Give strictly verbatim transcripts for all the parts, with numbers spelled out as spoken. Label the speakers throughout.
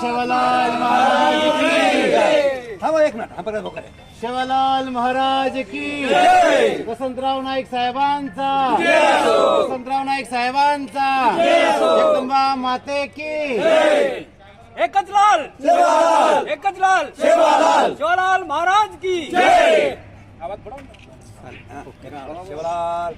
Speaker 1: शिवलाल महाराज की
Speaker 2: थांबा एक मिनिट. हा बघा बघा.
Speaker 1: शिवलाल महाराज की वसंतराव नाईक साहेबांचा वसंतराव नाईक साहेबांचा जगदंबा माते की
Speaker 3: एकच लाल
Speaker 2: शिवलाल
Speaker 3: एकच लाल
Speaker 2: शिवलाल
Speaker 3: शिवलाल महाराज की आवाज बढ़ाओ.
Speaker 2: शिवलाल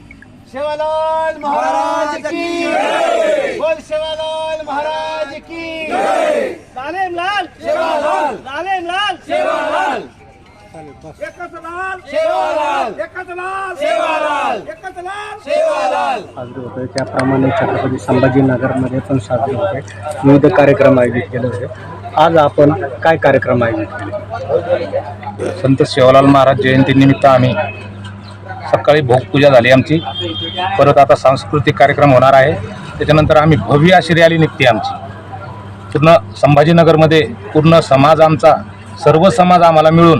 Speaker 1: शिवलाल महाराज की बोल शिवलाल महाराज की
Speaker 3: लालेम लाल
Speaker 2: शिवलाल
Speaker 3: लालेम लाल
Speaker 2: शिवलाल
Speaker 3: एकच लाल
Speaker 1: शिवलाल
Speaker 3: एकच लाल
Speaker 2: शिवलाल
Speaker 3: एकच लाल
Speaker 2: शिवलाल
Speaker 4: साजरे होते. त्याप्रमाणे छत्रपती संभाजीनगरमध्ये पण साजरे होते. विविध कार्यक्रम आयोजित केले होते. आज आपण काय कार्यक्रम आयोजित केले?
Speaker 5: संत शिवलाल महाराज जयंतीनिमित्त आम्ही सकाळी भोगपूजा झाली आमची. परत आता सांस्कृतिक कार्यक्रम होणार आहे. त्याच्यानंतर आम्ही भव्य अशी रॅली निघते आमची. पूर्ण संभाजीनगरमध्ये पूर्ण समाज आमचा सर्व समाज आम्हाला मिळून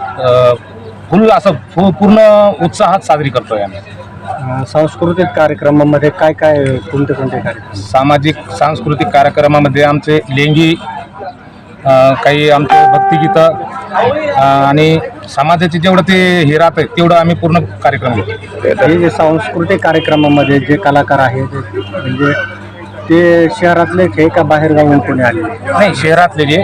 Speaker 5: फुल असं फु पूर्ण उत्साहात साजरी करतोय आम्ही.
Speaker 4: अं, सांस्कृतिक कार्यक्रमामध्ये काय काय कोणते कोणते कार्यक्रम?
Speaker 5: सामाजिक सांस्कृतिक कार्यक्रमामध्ये आमचे लेंगी अ, काही आमचे भक्तिगीतं अ, आणि समाजाचे जेवढं ते हे राहतं तेवढं आम्ही पूर्ण कार्यक्रम घेतो.
Speaker 4: हे जे सांस्कृतिक कार्यक्रमामध्ये जे कलाकार आहेत ते म्हणजे ते शहरातलेच आहे का बाहेर गावून कोणी आले?
Speaker 5: नाही, शहरातले जे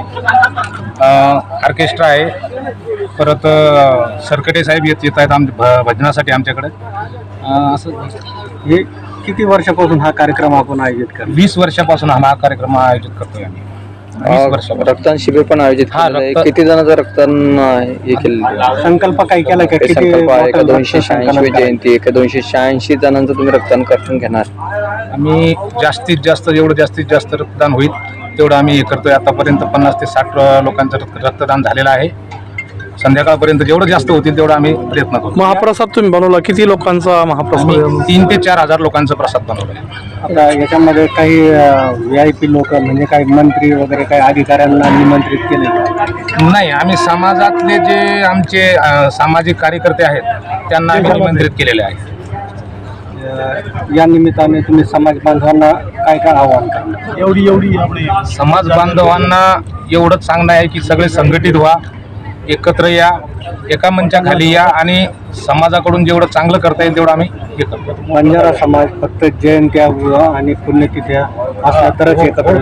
Speaker 5: ऑर्केस्ट्रा आहे. परत अ, सरकटे साहेब येत येत आहेत आम भ भजनासाठी आमच्याकडे. अ, असं
Speaker 4: हे किती वर्षापासून हा कार्यक्रम आपण आयोजित करतो?
Speaker 5: वीस वर्षापासून हा कार्यक्रम आयोजित करतोय आम्ही. वीस वर्षापासून.
Speaker 6: रक्तदान शिबिर पण आयोजित
Speaker 5: हा,
Speaker 6: केलेलं आहे.
Speaker 5: रक्त-
Speaker 6: किती जणांचं रक्तदान अं, हे केलेलं
Speaker 4: संकल्प काय केला का? किती
Speaker 6: संकल्प आहे? एका
Speaker 4: बॉटल
Speaker 6: दोनशे
Speaker 4: रक्त संकलन
Speaker 6: शहाऐंशी
Speaker 4: करायचं?
Speaker 6: जयंती एका दोनशे शहाऐंशी जणांचं तुम्ही रक्तदान करून घेणार.
Speaker 5: आम्ही जास्तीत जास्त जेवढं जास्तीत जास्त रक्तदान होईल तेवढं आम्ही हे करतोय. आतापर्यंत पन्नास ते साठ लोकांचं रक्त रक्तदान झालेलं आहे. संध्याकाळपर्यंत जेवढं जास्त होतील तेवढं आम्ही प्रयत्न करू.
Speaker 7: महाप्रसाद तुम्ही बनवला, किती लोकांचा महाप्रसाद?
Speaker 5: आम्ही तीन ते चार हजार लोकांचा प्रसाद बनवला आहे.
Speaker 4: आता याच्यामध्ये काही व्ही आय पी लोक म्हणजे काही मंत्री वगैरे काही अधिकाऱ्यांना निमंत्रित केले का?
Speaker 5: नाही, आम्ही समाजातले जे आमचे अ, सामाजिक कार्यकर्ते आहेत त्यांना आम्ही निमंत्रित केलेले आहे.
Speaker 4: अं, या निमित्ताने तुम्ही समाज बांधवांना काय काय आवाहन करणार?
Speaker 7: एवढी एवढी आपली
Speaker 5: समाज बांधवांना एवढंच सांगणं आहे की सगळे संघटित व्हा, एकत्र या, एका मंचाखाली या आणि समाजाकडून जेवढं चांगलं करता येईल तेवढं आम्ही हे करतो.
Speaker 4: बंजारा समाज फक्त जयंत्या आणि पुण्यतिथ्या असल्या तरच एकत्र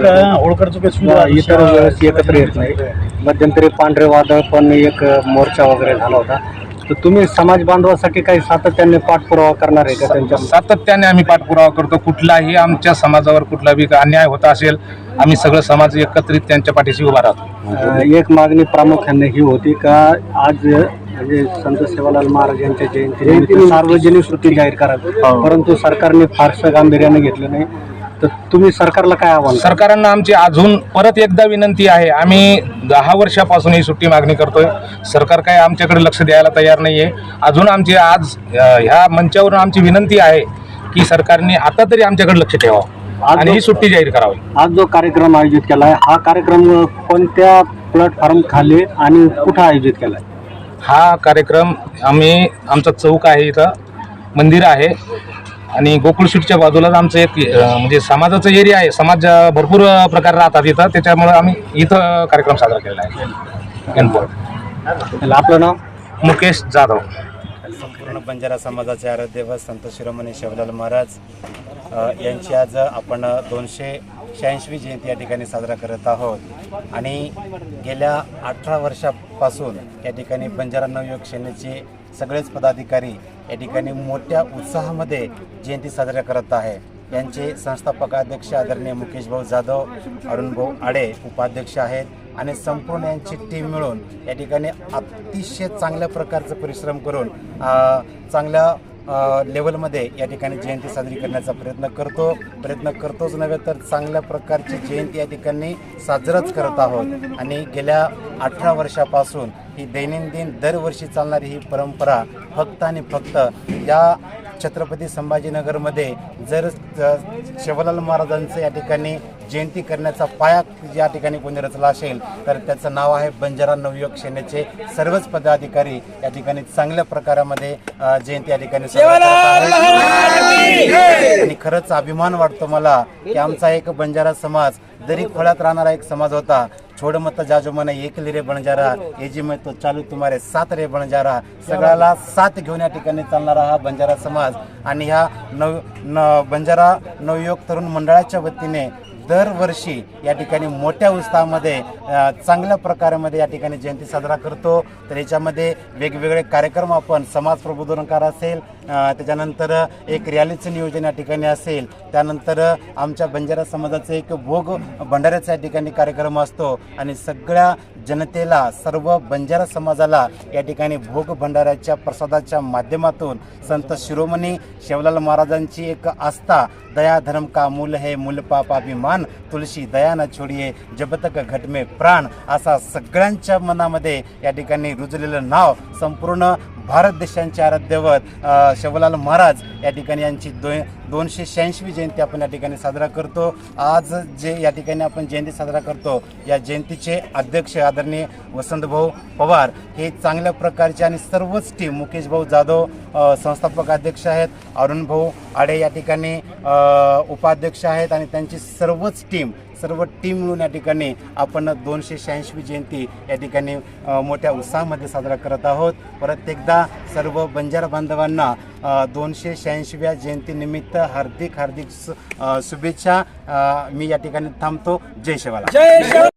Speaker 4: येतो. इतर वेळेस एकत्र येत नाही. मध्यंतरी पांढरे वादळ पण एक मोर्चा वगैरे झाला होता. तर तुम्ही समाज बांधवासाठी काही सातत्याने पाठपुरावा करणार आहे का त्यांच्या?
Speaker 5: सातत्याने आम्ही पाठपुरावा करतो. कुठलाही आमच्या समाजावर कुठलाही अन्याय होत असेल आम्ही सगळं समाज एकत्रित त्यांच्या पाठीशी उभा राहतो.
Speaker 4: अं, एक मागणी प्रामुख्याने ही होती का आज म्हणजे संत सेवालाल महाराज यांच्या जयंती सार्वजनिक सुट्टी जाहीर करावी, परंतु सरकारने फारसं गांभीर्याने घेतलं नाही. तर तुम्ही सरकारला काय आव्हान?
Speaker 5: सरकारांना आमची अजून परत एकदा विनंती आहे. आम्ही दहा वर्षापासून ही सुट्टी मागणी करतोय. सरकार काय आमच्याकडे लक्ष द्यायला तयार नाही आहे. अजून आमची आज अ, ह्या मंचावरून आमची विनंती आहे की सरकारने आता तरी आमच्याकडे लक्ष ठेवावं आणि ही सुट्टी जाहीर करावी.
Speaker 4: आज जो कार्यक्रम आयोजित केला आहे हा कार्यक्रम कोणत्या प्लॅटफॉर्म खाली आणि कुठं आयोजित केला आहे?
Speaker 5: हा कार्यक्रम आम्ही आमचा चौक आहे, इथं मंदिर आहे आणि गोकुळशीटच्या बाजूलाच आमचं एक अ, म्हणजे समाजाचं एरिया आहे. समाज अ, भरपूर अ, प्रकार राहतात इथं. त्याच्यामुळे आम्ही इथं कार्यक्रम साजरा केलेला आहे.
Speaker 4: त्याला आपलं नाव?
Speaker 5: मुकेश जाधव.
Speaker 8: संपूर्ण बंजारा समाजाचे आराध्यदैवत संत शिरोमणी शिवलाल महाराज अ, यांची आज आपण दोनशे शहाऐंशी जयंती या ठिकाणी साजरा करत आहोत. आणि गेल्या अठरा वर्षापासून या ठिकाणी बंजारा नवयुवक सेनेचे सगळेच पदाधिकारी या ठिकाणी मोठ्या उत्साहामध्ये जयंती साजरा करत आहे. यांचे संस्थापक अध्यक्ष आदरणीय मुकेश भाऊ जाधव, अरुण भाऊ आडे उपाध्यक्ष आहेत आणि संपूर्ण यांची टीम मिळून या ठिकाणी अतिशय चांगल्या प्रकारचं परिश्रम करून चांगल्या लेवलमध्ये या ठिकाणी जयंती साजरी करण्याचा प्रयत्न करतो प्रयत्न करतोच नव्हे तर चांगल्या प्रकारची जयंती या ठिकाणी साजराच करत आहोत. आणि गेल्या अठरा वर्षापासून ही दैनंदिन दरवर्षी चालणारी ही परंपरा फक्त आणि फक्त या छत्रपती संभाजीनगरमध्ये जर अ, शिवलाल महाराजांचं या ठिकाणी जयंती करण्याचा पाया या ठिकाणी कोणी रचला असेल तर त्याचं नाव आहे बंजारा नवयुवक सेनेचे सर्वच पदाधिकारी या ठिकाणी चांगल्या प्रकारामध्ये अ, जयंती या ठिकाणी साजरा करत आहेत. आणि खरंच अभिमान वाटतो मला की आमचा एक बंजारा समाज दरी खोळ्यात राहणारा एक समाज होता. छोड मत जाजो मन एक रे बंजारा ये जी मैं तो चालू तुम्हारे सात रे बंजारा, सगळ्याला साथ घेऊन या ठिकाणी चालणारा हा बंजारा समाज आणि ह्या नव न बंजारा नवयुवक तरुण मंडळाच्या वतीने दरवर्षी या ठिकाणी मोठ्या उत्साहामध्ये अ, चांगल्या प्रकारामध्ये या ठिकाणी जयंती साजरा करतो. तर याच्यामध्ये वेगवेगळे कार्यक्रम आपण समाज प्रबोधनकार असेल, अ, त्याच्यानंतर एक रॅलीचं नियोजन या ठिकाणी असेल, त्यानंतर आमच्या बंजारा समाजाचं एक भोग भंडाऱ्याचा या ठिकाणी कार्यक्रम असतो आणि सगळ्या जनतेला सर्व बंजारा समाजाला या ठिकाणी भोग भंडाऱ्याच्या प्रसादाच्या माध्यमातून संत शिरोमणी शिवलाल महाराजांची एक आस्था, दया धर्म का मूल है मूल पाप अभिमान, तुलसी दया न छोडिये जब तक घट में प्राण, असा सगळ्यांच्या मनामध्ये या ठिकाणी रुजलेलं नाव संपूर्ण भारत देशांचे आराध्यवत अ, शिवलाल महाराज या ठिकाणी यांची दो दोनशे शहाऐंशी जयंती आपण या ठिकाणी साजरा करतो. आज जे या ठिकाणी आपण जयंती साजरा करतो या जयंतीचे अध्यक्ष आदरणीय वसंतभाऊ पवार हे चांगल्या प्रकारचे आणि सर्वच टीम, मुकेश भाऊ जाधव अ, संस्थापक अध्यक्ष आहेत, अरुण भाऊ आडे या ठिकाणी अ, उपाध्यक्ष आहेत आणि त्यांची सर्वच टीम सर्व टीम मिळून या ठिकाणी आपण दोनशे शहाऐंशी जयंती या ठिकाणी अ, मोठ्या उत्साहामध्ये साजरा करत आहोत. परत एकदा सर्व बंजारा बांधवांना अ, दोनशे शहाऐंशीव्या जयंतीनिमित्त हार्दिक हार्दिक सु- अ, शुभेच्छा. अ, मी या ठिकाणी थांबतो. जय शिवलाल.